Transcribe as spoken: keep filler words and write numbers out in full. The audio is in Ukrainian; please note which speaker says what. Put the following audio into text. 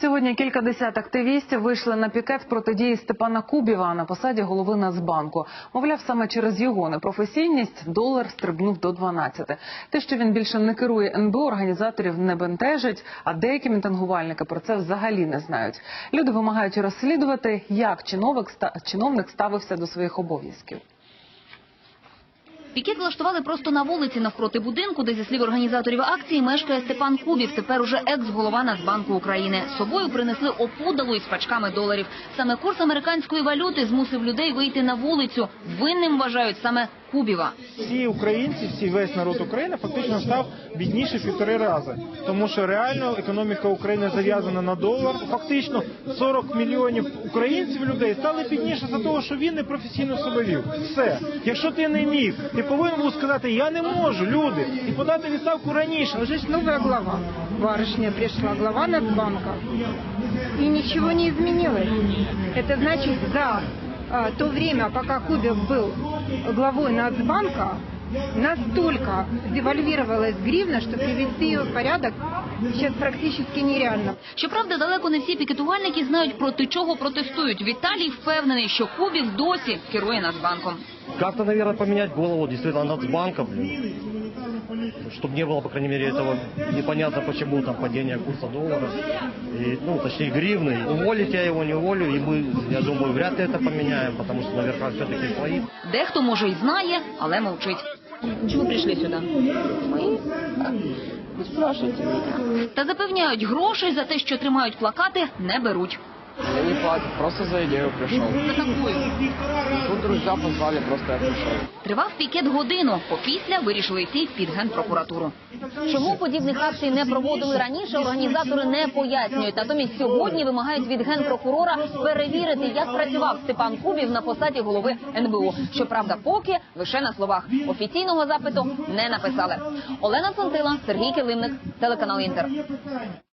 Speaker 1: Сьогодні кількадесят активістів вийшли на пікет протидії Степана Кубіва на посаді голови Нацбанку. Мовляв, саме через його непрофесійність долар стрибнув до дванадцяти. Те, що він більше не керує ен бе о, організаторів не бентежить, а деякі мітингувальники про це взагалі не знають. Люди вимагають розслідувати, як чиновник ставився до своїх обов'язків.
Speaker 2: Пікет влаштували просто на вулиці навпроти будинку, де, зі слів організаторів акції, мешкає Степан Кубів, тепер уже екс-голова Нацбанку України. З собою принесли опудалу із пачками доларів. Саме курс американської валюти змусив людей вийти на вулицю. Винним вважають саме Кубіва.
Speaker 3: Всі українці, всі, весь народ України фактично став бідніше в півтори рази. Тому що реально економіка України зав'язана на долар. Фактично сорок мільйонів українців, людей, стали бідніше за того, що він непрофесійно себе вів. Все. Якщо ти не міг, ти повинен був сказати, я не можу, люди, і подати відставку раніше.
Speaker 4: Уже нова глава. Барышня пришла, глава Нацбанка. И ничего не изменилось. Это значит, за а, то время, пока Кубів был главой Нацбанка, настолько девальвировалась гривна, что привести ее в порядок сейчас практически нереально.
Speaker 2: Щоправда, далеко не всі пікетувальники знають, проти чого протестують. Віталій впевнений, що Кубів досі керує Нацбанком.
Speaker 5: Как-то, наверное, поменять голову действительно Нацбанка, блин. Чтобы не было, по крайней мере, этого непонятно почему там падение курса доллара, и, ну, точнее, гривны. Уволить я его не уволю, и мы, я думаю, вряд ли это поменяем, потому что наверняка все-таки стоит.
Speaker 2: Дехто, може, і знає, але мовчить. Чому прийшли сюди?
Speaker 6: Ми? Спрашивайте мене.
Speaker 2: Та запевняють, грошей за те, що тримають плакати, не беруть.
Speaker 6: Я не платил, просто за идею пришел.
Speaker 2: За такою.
Speaker 6: Тут друзья позвали, просто я пришел.
Speaker 2: Тривав пікет годину. Попісля вирішили йти під Генпрокуратуру. Чому подібних акцій не проводили раніше, організатори не пояснюють. Натомість сьогодні вимагають від Генпрокурора перевірити, як працював Степан Кубів на посаді голови ен бе о. Щоправда, поки лише на словах. Офіційного запиту не написали. Олена Цонтила, Сергій Килимник, телеканал Інтер.